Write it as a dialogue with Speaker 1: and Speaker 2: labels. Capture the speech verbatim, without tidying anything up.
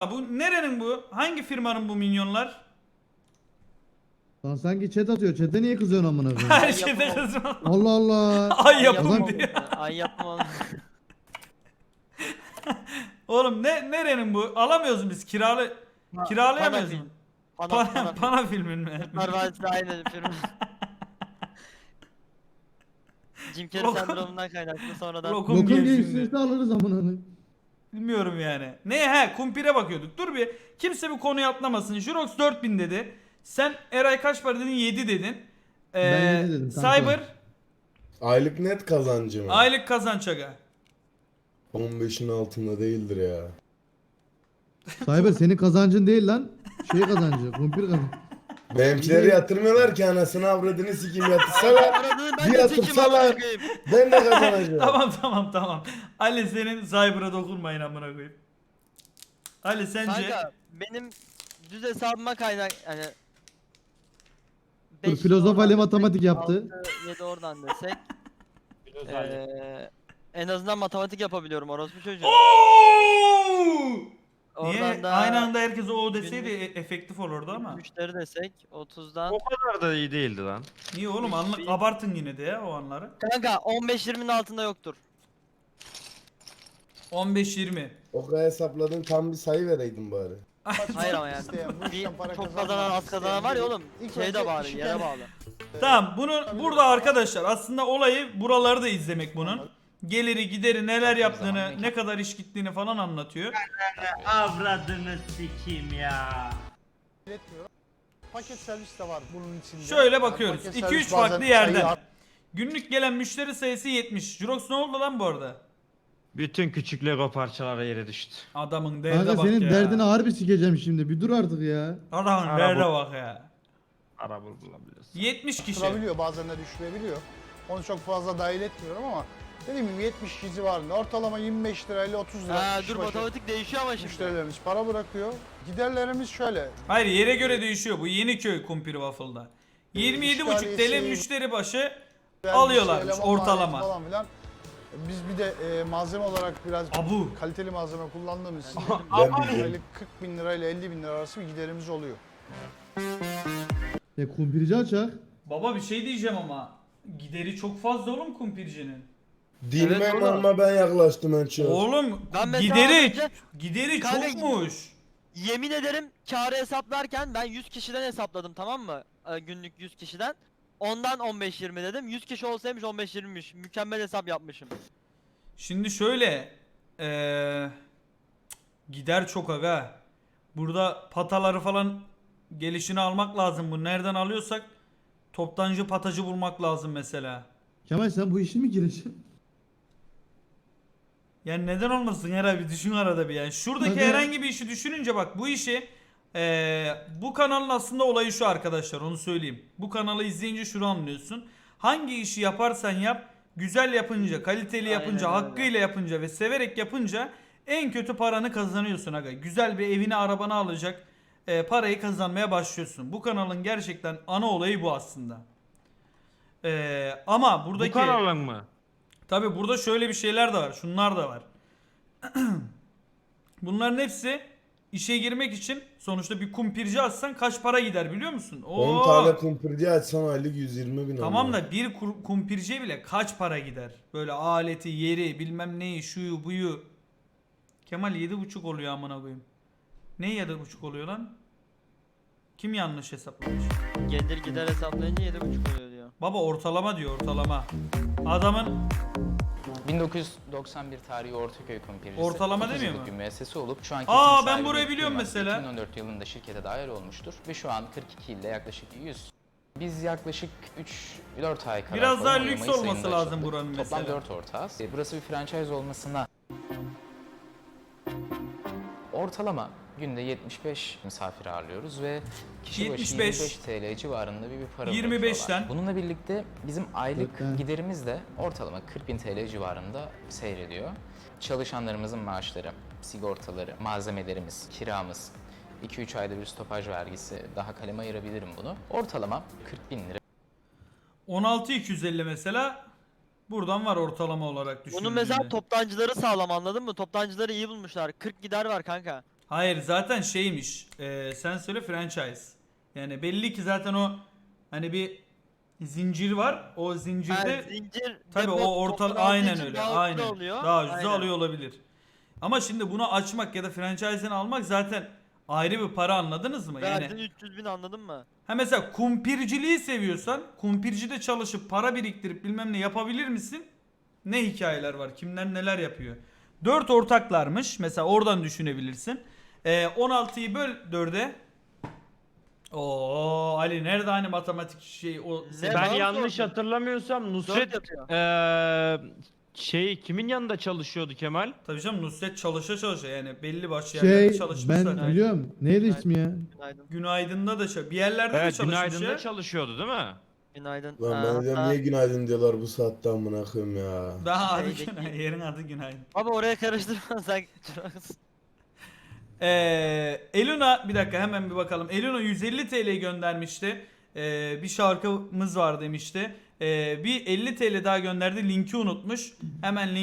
Speaker 1: Bu nerenin bu? Hangi firmanın bu minyonlar?
Speaker 2: Lan sanki chat atıyor. Chat'e niye kızıyorsun amına koyayım?
Speaker 1: Her
Speaker 3: Ay
Speaker 1: şeyde
Speaker 3: yapamam.
Speaker 1: kızma.
Speaker 2: Allah Allah.
Speaker 1: Ay
Speaker 3: Ay
Speaker 1: yapım
Speaker 3: yapmam
Speaker 1: diyor.
Speaker 3: onu. Ay yapmam onu.
Speaker 1: Oğlum ne nerenin bu? Alamıyoruz biz kiralı kiralayamıyoruz mu?
Speaker 3: Pana
Speaker 1: Pana,
Speaker 3: film. Pana,
Speaker 1: pana filmin mi?
Speaker 3: Kurtlar Vadisi aynı firma. Jim Carrey
Speaker 1: Lokum-
Speaker 3: sendromundan kaynaklı sonradan.
Speaker 1: Lokum
Speaker 2: Lokum
Speaker 1: gel
Speaker 2: gelişirse
Speaker 1: şimdi.
Speaker 2: alırız amına koyayım.
Speaker 1: Bilmiyorum yani. Ne he kumpire bakıyorduk. Dur bir. Kimse bu konuyu atlamasın. Jurox dört bin dedi. Sen Eray kaç para dedin? yedi dedin. Ee,
Speaker 2: Ben yedi dedim, kanka.
Speaker 1: Cyber
Speaker 4: Aylık net kazancı mı?
Speaker 1: aylık kazanç aga.
Speaker 4: on beşin altında değildir ya.
Speaker 2: Cyber senin kazancın değil lan. Şey kazancı. Kumpir kazancı.
Speaker 4: Benimkileri yatırmıyorlar ki anasını avradını sikeyim yatırsalar.
Speaker 3: Aradığını ben
Speaker 4: Bir
Speaker 3: de çekeyim
Speaker 4: yatırsalar
Speaker 3: amına koyayım.
Speaker 4: ben de kazanacağım.
Speaker 1: Tamam tamam tamam. Ali senin Cyber'a dokunmayın amına koyayım. Ali sence
Speaker 3: Kanka benim düz hesabıma kaynak hani
Speaker 2: Dur,
Speaker 3: beş
Speaker 2: filozof
Speaker 3: oradan
Speaker 2: Ali
Speaker 3: desek,
Speaker 2: matematik yaptı.
Speaker 3: altı, yedi oradan desek eee en azından matematik yapabiliyorum orospu çocuğu.
Speaker 1: Oo! Niye
Speaker 3: Oradan da
Speaker 1: aynı anda herkes o deseydi
Speaker 3: günlük-
Speaker 1: e- efektif olurdu ama.
Speaker 3: müşteri desek otuzdan.
Speaker 5: O kadar da iyi değildi lan.
Speaker 1: Niye oğlum anlık
Speaker 3: Bir-
Speaker 1: abartın yine de ya o anları.
Speaker 3: Kanka on beş yirminin altında yoktur.
Speaker 1: on beş yirmi.
Speaker 4: O kadar hesapladın tam bir sayı vereydin bari.
Speaker 3: Hayır ama yani.
Speaker 6: İsteyen, bu
Speaker 3: Bir
Speaker 6: işten para
Speaker 3: çok
Speaker 6: kazanmak
Speaker 3: kazanan az
Speaker 6: isteyen
Speaker 3: kazanan var ya
Speaker 6: biri
Speaker 3: oğlum.
Speaker 6: ilk
Speaker 3: Şey de
Speaker 6: önce
Speaker 3: bağlı,
Speaker 6: işi
Speaker 3: yere
Speaker 6: kendi-
Speaker 3: bağlı.
Speaker 1: Tamam bunu burada arkadaşlar aslında olayı buraları da izlemek bunun. Geliri gideri neler yaptığını ne kadar iş gittiğini falan anlatıyor.
Speaker 7: Avradını sikeyim ya.
Speaker 6: Üretmiyorum. Paket servis de var bunun içinde.
Speaker 1: Şöyle
Speaker 6: Yani
Speaker 1: bakıyoruz.
Speaker 6: paket
Speaker 1: iki
Speaker 6: servis
Speaker 1: üç
Speaker 6: bazen
Speaker 1: farklı
Speaker 6: sayı
Speaker 1: yerden.
Speaker 6: at-
Speaker 1: Günlük gelen müşteri sayısı yetmiş. Jurox ne oldu lan bu arada?
Speaker 5: Bütün küçük Lego parçaları yere düştü.
Speaker 1: Adamın derde
Speaker 2: Kanka
Speaker 1: bak
Speaker 2: senin
Speaker 1: ya.
Speaker 2: derdini harbi sikeceğim şimdi. Bir dur artık ya.
Speaker 1: Adamın
Speaker 5: Araba-
Speaker 1: derde bak ya.
Speaker 5: Araba bulabiliyorsun.
Speaker 1: yetmiş kişi.
Speaker 6: Kırabiliyor bazen de düşürebiliyor. Onu çok fazla dahil etmiyorum ama dediğim gibi yetmiş kişi civarında ortalama yirmi beş lirayla otuz lira.
Speaker 3: Ha
Speaker 6: kişi
Speaker 3: dur
Speaker 6: başı
Speaker 3: matematik değişiyor ama şimdi.
Speaker 6: Müşterilerimiz para bırakıyor. Giderlerimiz şöyle.
Speaker 1: Hayır yere göre değişiyor. Bu Yeniköy kumpir waffle'da. yirmi yedi buçuk T L
Speaker 6: İşgaliyesi,
Speaker 1: müşteri başı
Speaker 6: vergisi,
Speaker 1: alıyorlarmış
Speaker 6: eleman maliyeti
Speaker 1: ortalama.
Speaker 6: Falan filan. Biz bir de e, malzeme olarak biraz
Speaker 1: Abu.
Speaker 6: kaliteli malzeme kullandığımız için
Speaker 4: Ben biliyorum.
Speaker 6: aylık kırk bin lirayla elli bin lira arası bir giderimiz oluyor.
Speaker 2: E kumpirci açak.
Speaker 1: Baba bir şey diyeceğim ama gideri çok fazla oğlum kumpircinin.
Speaker 4: Dinime
Speaker 3: Evet, oğlum.
Speaker 4: ama ben yaklaştım en çok.
Speaker 1: Oğlum
Speaker 3: Ben mesela
Speaker 1: gideri
Speaker 3: önce-
Speaker 1: gideri
Speaker 3: Kanka,
Speaker 1: çokmuş.
Speaker 3: Yemin ederim kârı hesaplarken ben yüz kişiden hesapladım tamam mı? Ee, günlük yüz kişiden. Ondan on beş yirmi dedim. yüz kişi olsaymış on beş yirmiymiş. Mükemmel hesap yapmışım.
Speaker 1: Şimdi şöyle eee gider çok aga. Burada pataları falan gelişini almak lazım. Bu nereden alıyorsak toptancı patacı bulmak lazım mesela.
Speaker 2: Kemal sen bu işe mi gireceksin?
Speaker 1: Yani neden olmasın herhalde bir düşün arada bir yani. Şuradaki
Speaker 2: Hadi.
Speaker 1: herhangi bir işi düşününce bak bu işi eee, bu kanalın aslında olayı şu arkadaşlar onu söyleyeyim. Bu kanalı izleyince şunu anlıyorsun. Hangi işi yaparsan yap güzel yapınca, kaliteli
Speaker 3: Aynen
Speaker 1: yapınca,
Speaker 3: öyle.
Speaker 1: hakkıyla yapınca ve severek yapınca en kötü paranı kazanıyorsun aga. Güzel bir evini arabanı alacak eee, parayı kazanmaya başlıyorsun. Bu kanalın gerçekten ana olayı bu aslında. Eee, ama buradaki...
Speaker 5: Bu kanalın mı?
Speaker 1: Tabi burada şöyle bir şeyler de var. Şunlar da var. Bunların hepsi işe girmek için sonuçta bir kumpirci açsan kaç para gider biliyor musun? Oo.
Speaker 4: on tane kumpirci açsan aylık yüz yirmi bin
Speaker 1: Tamam
Speaker 4: ama.
Speaker 1: da bir kur- kumpirciye bile kaç para gider? Böyle aleti, yeri, bilmem neyi, şuyu, buyu. Kemal yedi buçuk oluyor amına koyayım. Ne yedi buçuk oluyor lan? Kim yanlış hesaplamış?
Speaker 3: Gelir gider hesaplayınca yedi buçuk oluyor diyor.
Speaker 1: Baba ortalama diyor ortalama. Adamın
Speaker 8: bin dokuz yüz doksan bir tarihi Ortaköy Kumpircisi.
Speaker 1: Ortalama
Speaker 8: otuz
Speaker 1: demiyor
Speaker 8: yıllık
Speaker 1: mu?
Speaker 8: bir müessese olup şu anki
Speaker 1: Aa,
Speaker 8: isim
Speaker 1: ben
Speaker 8: sahibi
Speaker 1: burayı
Speaker 8: Mehmet
Speaker 1: biliyorum
Speaker 8: Yılmaz
Speaker 1: mesela.
Speaker 8: iki bin on dört yılında şirkete dahil olmuştur ve şu an kırk iki ilde yaklaşık yüz. Biz yaklaşık üç dört ay kadar
Speaker 1: Biraz
Speaker 8: falan
Speaker 1: daha
Speaker 8: oluyor.
Speaker 1: lüks
Speaker 8: Mayıs
Speaker 1: olması
Speaker 8: ayında
Speaker 1: lazım
Speaker 8: açıldık.
Speaker 1: buranın
Speaker 8: Toplam
Speaker 1: mesela.
Speaker 8: dört ortağız. E, Burası bir franchise olmasına ortalama günde yetmiş beş misafir ağırlıyoruz ve kişi başı
Speaker 1: yetmiş
Speaker 8: yirmi
Speaker 1: beş
Speaker 8: beş T L civarında bir, bir para
Speaker 1: yirmi beşten.
Speaker 8: bırakıyorlar. Bununla birlikte bizim aylık
Speaker 2: Evet.
Speaker 8: giderimiz de ortalama kırk bin T L civarında seyrediyor. Çalışanlarımızın maaşları, sigortaları, malzemelerimiz, kiramız, iki üç ayda bir stopaj vergisi, daha kaleme ayırabilirim bunu. Ortalama kırk bin lira.
Speaker 1: on altı iki yüz elli mesela buradan var ortalama olarak düşündüğünde.
Speaker 3: Bunun mesela toptancıları sağlam anladın mı? Toptancıları iyi bulmuşlar. kırk gider var kanka.
Speaker 1: Hayır zaten şeymiş. e, sen söyle franchise. Yani belli ki zaten o hani bir zincir var. O zincirde
Speaker 3: Ha, zincir
Speaker 1: tabii
Speaker 3: depo
Speaker 1: o orta
Speaker 3: toplandığı
Speaker 1: aynen
Speaker 3: için
Speaker 1: öyle.
Speaker 3: daha ucuza
Speaker 1: Aynen.
Speaker 3: oluyor.
Speaker 1: Daha ucuza
Speaker 3: Aynen.
Speaker 1: alıyor olabilir. Ama şimdi bunu açmak ya da franchise'ini almak zaten ayrı bir para, anladınız mı? Yani
Speaker 3: Verdin üç yüz bin, anladın mı?
Speaker 1: ha mesela kumpirciliği seviyorsan kumpircide çalışıp para biriktirip bilmem ne yapabilir misin? Ne hikayeler var? Kimler neler yapıyor? dört ortaklarmış. Mesela oradan düşünebilirsin. Ee, on altıyı böl dörde. Oo Ali nerede hani matematik şey o
Speaker 3: Ne
Speaker 5: Ben
Speaker 3: bana
Speaker 5: yanlış
Speaker 3: sordun?
Speaker 5: hatırlamıyorsam Nusret
Speaker 3: yapıyor.
Speaker 5: eee şey kimin yanında çalışıyordu Kemal?
Speaker 1: Tabii canım Nusret çalışa çalışa yani belli başlı
Speaker 2: Şey
Speaker 1: yerlerde çalışmış
Speaker 2: ben
Speaker 1: zaten.
Speaker 2: biliyorum. Neydi ismi ya?
Speaker 3: Günaydın.
Speaker 1: Günaydın'da da şey, bir yerlerde de
Speaker 5: Evet,
Speaker 1: çalışmış
Speaker 5: Günaydın'da
Speaker 1: ya.
Speaker 5: çalışıyordu değil mi?
Speaker 3: Günaydın.
Speaker 4: Lan ben
Speaker 3: Aa,
Speaker 4: de diyorum
Speaker 3: hatta-
Speaker 4: niye günaydın diyorlar bu saatte amına koyayım ya.
Speaker 1: Daha adı
Speaker 3: Şeydeki-
Speaker 1: Günaydın. Yerin adı Günaydın.
Speaker 3: Abi oraya karıştırma sen.
Speaker 1: Ee, Eluna bir dakika hemen bir bakalım. Eluna yüz elli T L göndermişti. Ee, bir şarkımız var demişti. Ee, bir elli T L daha gönderdi. Linki unutmuş. Hemen link